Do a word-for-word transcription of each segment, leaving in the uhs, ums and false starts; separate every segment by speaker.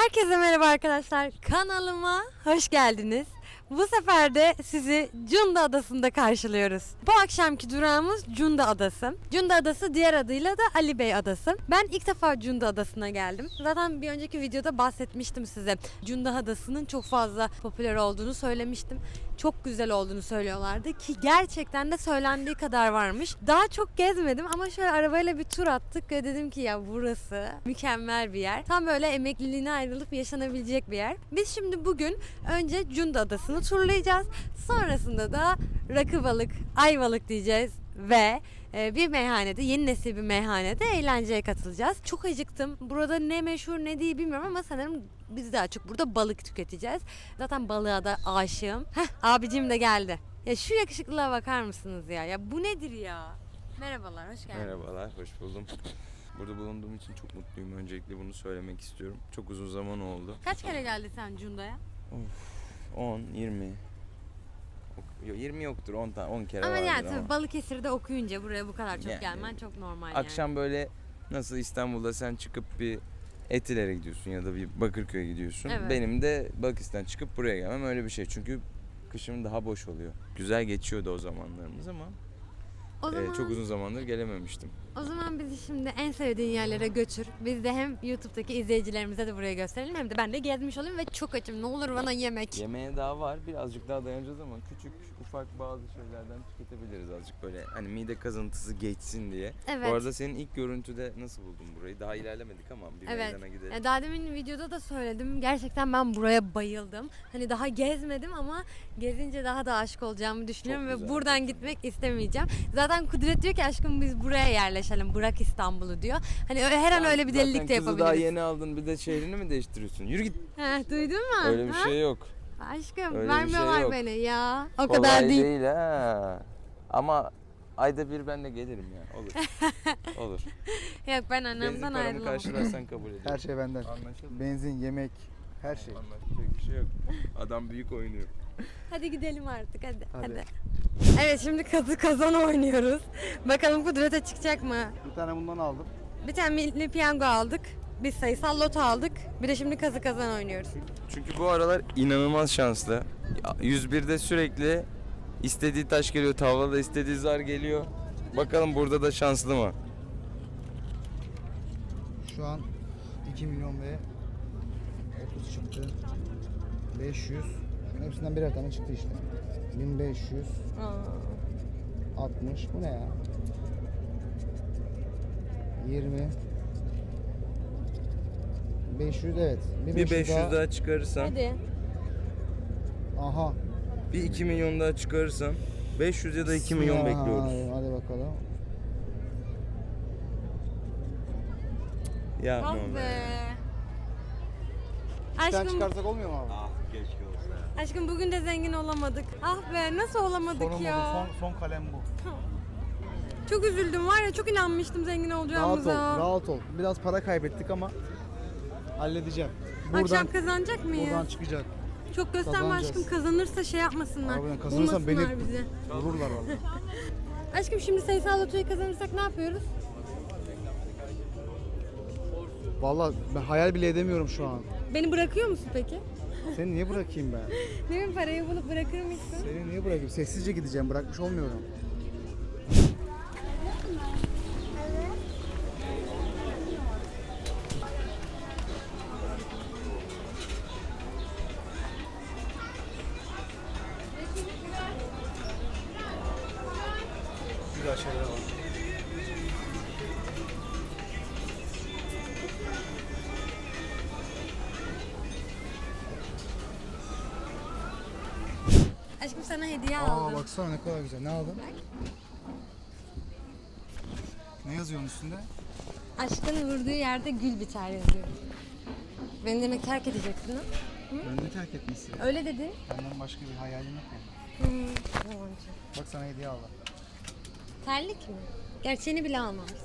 Speaker 1: Herkese merhaba arkadaşlar. Kanalıma hoş geldiniz. Bu sefer de sizi Cunda Adası'nda karşılıyoruz. Bu akşamki durağımız Cunda Adası. Cunda Adası diğer adıyla da Ali Bey Adası. Ben ilk defa Cunda Adası'na geldim. Zaten bir önceki videoda bahsetmiştim size. Cunda Adası'nın çok fazla popüler olduğunu söylemiştim. Çok güzel olduğunu söylüyorlardı ki gerçekten de söylendiği kadar varmış. Daha çok gezmedim ama şöyle arabayla bir tur attık ve dedim ki ya burası mükemmel bir yer. Tam böyle emekliliğine ayrılıp yaşanabilecek bir yer. Biz şimdi bugün önce Cunda Adası'nı turlayacağız. Sonrasında da Rakıbalık, Ayvalık diyeceğiz ve bir meyhanede, yeni nesil bir meyhanede eğlenceye katılacağız. Çok acıktım. Burada ne meşhur ne değil bilmiyorum ama sanırım biz daha çok burada balık tüketeceğiz. Zaten balığa da aşığım. Heh, abicim de geldi. Ya şu yakışıklılığa bakar mısınız ya? Ya bu nedir ya? Merhabalar, hoş geldiniz.
Speaker 2: Merhabalar, hoş buldum. Burada bulunduğum için çok mutluyum. Öncelikle bunu söylemek istiyorum. Çok uzun zaman oldu.
Speaker 1: Kaç kere geldin sen Cunda'ya?
Speaker 2: Of, on, yirmi. yirmi yoktur, on tane, on kere
Speaker 1: ama
Speaker 2: vardır
Speaker 1: yani
Speaker 2: ama.
Speaker 1: tabii Balıkesir'de okuyunca buraya bu kadar çok
Speaker 2: Yani,
Speaker 1: gelmen çok normal
Speaker 2: Akşam
Speaker 1: yani.
Speaker 2: böyle nasıl İstanbul'da sen çıkıp bir Etiler'e gidiyorsun ya da bir Bakırköy'e gidiyorsun.
Speaker 1: Evet.
Speaker 2: Benim de Balıkesir'den çıkıp buraya gelmem öyle bir şey. Çünkü kışım daha boş oluyor. Güzel geçiyordu o zamanlarımız ama
Speaker 1: O zaman...
Speaker 2: e, çok uzun zamandır gelememiştim.
Speaker 1: O zaman bizi şimdi en sevdiğin yerlere götür. Biz de hem YouTube'daki izleyicilerimize de buraya gösterelim hem de ben de gezmiş olayım ve çok açım. Ne olur bana yemek.
Speaker 2: Yemeğe daha var. Birazcık daha dayanacağız ama küçük ufak bazı şeylerden tüketebiliriz azıcık böyle. Hani mide kazıntısı geçsin diye.
Speaker 1: Evet.
Speaker 2: Bu arada senin ilk görüntüde nasıl buldun burayı? Daha ilerlemedik ama bir
Speaker 1: Evet.
Speaker 2: meydana gidelim.
Speaker 1: E, Daha demin videoda da söyledim. Gerçekten ben buraya bayıldım. Hani daha gezmedim ama gezince daha da aşık olacağımı düşünüyorum
Speaker 2: Çok
Speaker 1: ve
Speaker 2: güzel,
Speaker 1: buradan
Speaker 2: çok
Speaker 1: gitmek istemeyeceğim. Zaten Kudret diyor ki aşkım biz buraya yerleşelim. Bırak İstanbul'u diyor. Hani öyle- her an
Speaker 2: Ya
Speaker 1: öyle bir delilik de
Speaker 2: zaten kızı
Speaker 1: yapabiliriz.
Speaker 2: daha yeni aldın bir de şehrini mi değiştiriyorsun? Yürü git.
Speaker 1: Heh, duydun mu?
Speaker 2: Öyle bir
Speaker 1: Ha?
Speaker 2: şey yok.
Speaker 1: Aşkım
Speaker 2: Öyle bir
Speaker 1: vermiyorlar
Speaker 2: şey yok.
Speaker 1: beni ya. O
Speaker 2: Kolay
Speaker 1: kadar değil.
Speaker 2: değil ha. Ama ayda bir ben de gelirim ya. Olur. Olur.
Speaker 1: Yok ben
Speaker 2: Benzin
Speaker 1: annemden
Speaker 2: paramı
Speaker 1: ayrılamam.
Speaker 2: karşılarsan kabul ederim.
Speaker 3: Her şey benden.
Speaker 2: Anlaşıldı mı?
Speaker 3: Benzin, yemek, her şey.
Speaker 2: Anlaşılacak bir şey yok. Adam büyük oynuyor.
Speaker 1: Hadi gidelim artık hadi, hadi.
Speaker 3: Hadi.
Speaker 1: Evet şimdi kazı kazan oynuyoruz. Bakalım Kudret'e çıkacak mı?
Speaker 3: Bir tane bundan aldım.
Speaker 1: Bir tane milli piyango aldık. Bir sayısal loto aldık. Bir de şimdi kazı kazan oynuyoruz.
Speaker 2: Çünkü bu aralar inanılmaz şanslı. yüz birde sürekli istediği taş geliyor, tavlada istediği zar geliyor. Bakalım burada da şanslı mı?
Speaker 3: Şu an iki milyon ve otuz çıktı. beş yüz. Şunun hepsinden birer tane çıktı işte. bin beş yüz. altmış. Bu ne ya? yirmi. beş yüz evet.
Speaker 2: Bir beş yüz daha çıkarırsam,
Speaker 1: Hadi.
Speaker 3: Aha.
Speaker 2: bir iki milyon daha çıkarırsam beş yüz ya da iki milyon
Speaker 3: Aha,
Speaker 2: bekliyoruz.
Speaker 3: Hadi bakalım.
Speaker 2: Ya
Speaker 1: Ah
Speaker 2: aman
Speaker 1: be.
Speaker 3: Bir tane
Speaker 1: Aşkım,
Speaker 3: çıkarsak olmuyor mu abi?
Speaker 1: aşkım bugün de zengin olamadık. Ah be nasıl olamadık
Speaker 3: Sorun
Speaker 1: ya.
Speaker 3: oldu. Son, son kalem bu.
Speaker 1: Çok üzüldüm var ya çok inanmıştım zengin
Speaker 3: Rahat ol,
Speaker 1: olacağımıza.
Speaker 3: rahat ol. Biraz para kaybettik ama halledeceğim. Buradan,
Speaker 1: Akşam kazanacak mıyız?
Speaker 3: buradan çıkacak.
Speaker 1: Çok gösterme
Speaker 3: kazanacağız.
Speaker 1: aşkım kazanırsa şey yapmasınlar.
Speaker 3: Harbiden kazanırsam beni
Speaker 1: bulmasınlar bizi.
Speaker 3: vururlar vallahi.
Speaker 1: Aşkım şimdi sayısal lotoyu kazanırsak ne yapıyoruz?
Speaker 3: Vallahi ben hayal bile edemiyorum şu an.
Speaker 1: Beni bırakıyor musun peki?
Speaker 3: Seni niye bırakayım ben?
Speaker 1: Ne bileyim parayı bulup bırakır mısın?
Speaker 3: Seni niye bırakayım? Sessizce gideceğim. Bırakmış olmuyorum. Güzel şeyler var.
Speaker 1: Aşkım sana hediye
Speaker 3: Aa
Speaker 1: aldım.
Speaker 3: baksana ne kadar güzel. Ne aldın? Ne yazıyor onun üstünde?
Speaker 1: Aşkın vurduğu yerde gül biter yazıyor. Beni demek terk edeceksin ha?
Speaker 3: Ben de terk etmesi.
Speaker 1: Öyle dedi.
Speaker 3: Benden başka bir hayalin yok mu?
Speaker 1: Hmm. yalancı.
Speaker 3: Bak sana hediye aldım.
Speaker 1: Terlik mi? Gerçeğini bile almamışsın.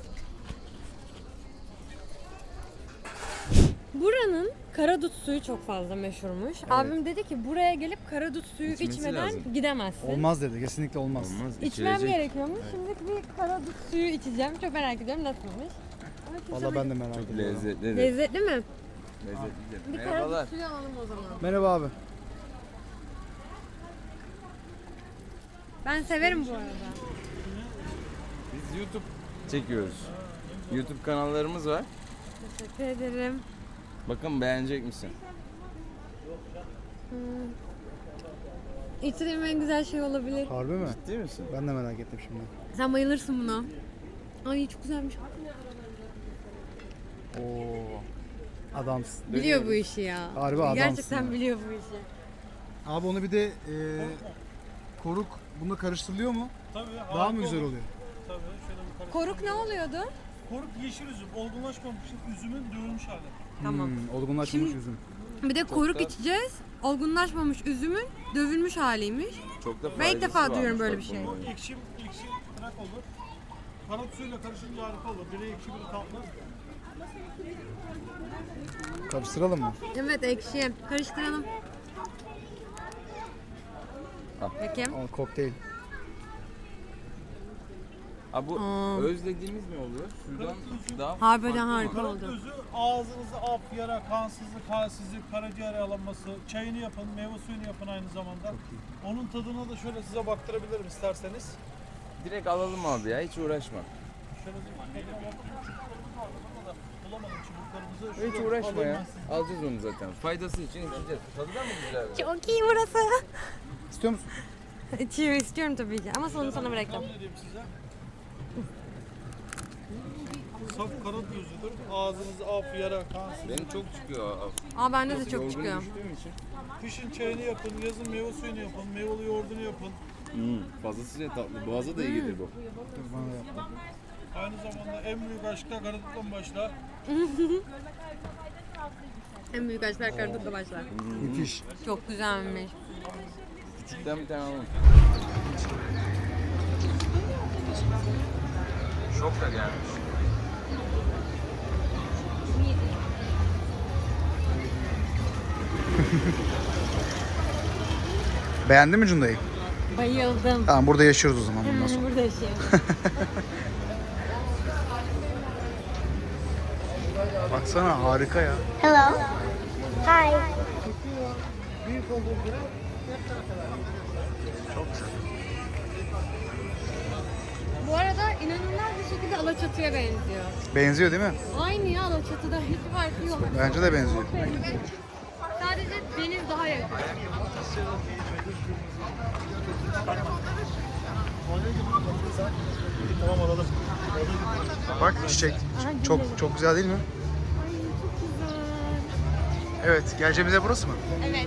Speaker 1: Buranın karadut suyu çok fazla meşhurmuş. Abim dedi ki buraya gelip karadut suyu
Speaker 2: İçmesi
Speaker 1: içmeden
Speaker 2: lazım.
Speaker 1: gidemezsin.
Speaker 3: Olmaz dedi. Kesinlikle olmaz.
Speaker 2: Olmaz.
Speaker 1: İçmem
Speaker 2: içilecek.
Speaker 1: gerekiyormuş. Şimdi bir karadut suyu içeceğim. Çok merak ediyorum nasılmış. Ama kimse
Speaker 3: Vallahi ben de
Speaker 1: bil-
Speaker 3: merak
Speaker 2: Çok
Speaker 3: ediyorum.
Speaker 2: lezzetli.
Speaker 1: Lezzetli mi?
Speaker 2: Lezzetlidir.
Speaker 1: Bir
Speaker 2: Merhabalar.
Speaker 1: karadut suyu alalım o zaman.
Speaker 3: Merhaba abi.
Speaker 1: Ben severim bu arada.
Speaker 2: Biz YouTube çekiyoruz. YouTube kanallarımız var.
Speaker 1: Teşekkür ederim.
Speaker 2: Bakın beğenecek misin?
Speaker 1: İçtiğim en güzel şey olabilir.
Speaker 3: Harbi mi?
Speaker 2: Ciddi misin?
Speaker 3: Ben de merak ettim şimdi.
Speaker 1: Sen bayılırsın buna. Ay çok güzelmiş.
Speaker 2: Oo.
Speaker 3: Adamsın.
Speaker 1: Biliyor bu işi ya.
Speaker 3: Harbi adamsın
Speaker 1: Gerçekten
Speaker 3: ya.
Speaker 1: biliyor bu işi.
Speaker 3: Abi onu bir de e, koruk bununla karıştırılıyor mu?
Speaker 4: Tabii.
Speaker 3: Daha
Speaker 4: harika
Speaker 3: mı güzel
Speaker 4: olur.
Speaker 3: oluyor?
Speaker 4: Tabii. Şöyle bir karıştıralım.
Speaker 1: Koruk ne oluyordu?
Speaker 4: Koruk yeşil üzüm. Olgunlaşmamış üzümün dövülmüş hali.
Speaker 1: Tamam.
Speaker 3: Hmm, olgunlaşmış
Speaker 1: Şimdi-
Speaker 3: üzüm.
Speaker 1: Bir de koruk
Speaker 2: da-
Speaker 1: içeceğiz. Olgunlaşmamış üzümün dövülmüş haliymiş.
Speaker 2: Çok da
Speaker 1: Ben ilk defa
Speaker 2: faydası
Speaker 1: duyuyorum
Speaker 2: varmış
Speaker 1: böyle
Speaker 2: bak
Speaker 1: bir şey.
Speaker 2: bunun.
Speaker 4: Ekşi, ekşi bırak olur. Karat suyuyla karışınca harika olur. Biri ekşi biri tatlı.
Speaker 3: Karıştıralım mı?
Speaker 1: Evet ekşi. Karıştıralım.
Speaker 2: Al.
Speaker 1: Bakayım.
Speaker 3: Aa, kokteyl.
Speaker 2: Ha bu
Speaker 1: Aa.
Speaker 2: özlediğimiz mi oluyor? Sudan daha
Speaker 1: Harbiden
Speaker 2: farklı
Speaker 1: harika
Speaker 2: mı?
Speaker 1: oldu.
Speaker 4: Karat özü ağzınızı af, yara, kansızlık, halsizlik, karaciğer yağlanması, çayını yapın, meyve suyunu yapın aynı zamanda. Onun tadına da şöyle size baktırabilirim isterseniz.
Speaker 2: Direkt alalım abi ya, hiç uğraşma.
Speaker 4: Şöyle bir tadına bakayım. Çubuklarımız vardı ama da bulamadım çubuklarımızı.
Speaker 2: Hiç
Speaker 4: Şurada
Speaker 2: uğraşma
Speaker 4: alayım
Speaker 2: ya.
Speaker 4: ben size.
Speaker 2: Alacağız onu zaten. Faydası için içeceğiz. Tadı da mı güzel?
Speaker 1: Çok iyi burası.
Speaker 3: İstiyor musun?
Speaker 1: İçiyor istiyorum tabii ki ama sonra sana bırakacağım.
Speaker 4: Ne diyeyim size? Saf karat özüdür. Ağzınızı af, yara, kansızlık.
Speaker 2: Benim çok çıkıyor.
Speaker 1: Aa bende de çok
Speaker 2: Yorgun
Speaker 1: çıkıyor.
Speaker 2: düştüğüm için.
Speaker 4: Kışın çayını yapın, yazın meyve suyunu yapın, meyveli yoğurdunu yapın.
Speaker 2: Hmm, fazlasıyla tatlı. Boğaza da iyi gelir bu.
Speaker 3: Dur bana da yap.
Speaker 4: Aynı zamanda en büyük aşkta karaduttan başla.
Speaker 1: En büyük aşklar karadutla başlar.
Speaker 3: Müthiş.
Speaker 1: Çok güzelmiş.
Speaker 2: Küçükten bir tane alalım. Şok da gelmiş.
Speaker 3: Beğendin mi Cunda'yı?
Speaker 1: Bayıldım.
Speaker 3: Tamam burada yaşıyoruz o zaman bundan sonra.
Speaker 1: Burada yaşayalım.
Speaker 3: Baksana harika ya.
Speaker 5: Hello. Hi.
Speaker 1: Bu arada inanılmaz bir şekilde Alaçatı'ya benziyor.
Speaker 3: Benziyor değil mi?
Speaker 1: Aynı ya Alaçatı'da hiç farkı yok.
Speaker 3: Bence de benziyor.
Speaker 1: Sadece deniz daha yakın.
Speaker 4: Tamam alalım.
Speaker 3: Bak çiçek. Çok çok güzel değil mi?
Speaker 1: Ay çok güzel.
Speaker 3: Evet. Geleceğimiz yer burası mı?
Speaker 1: Evet.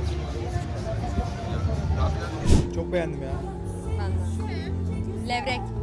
Speaker 3: Çok beğendim ya.
Speaker 1: Ben de. Levrek.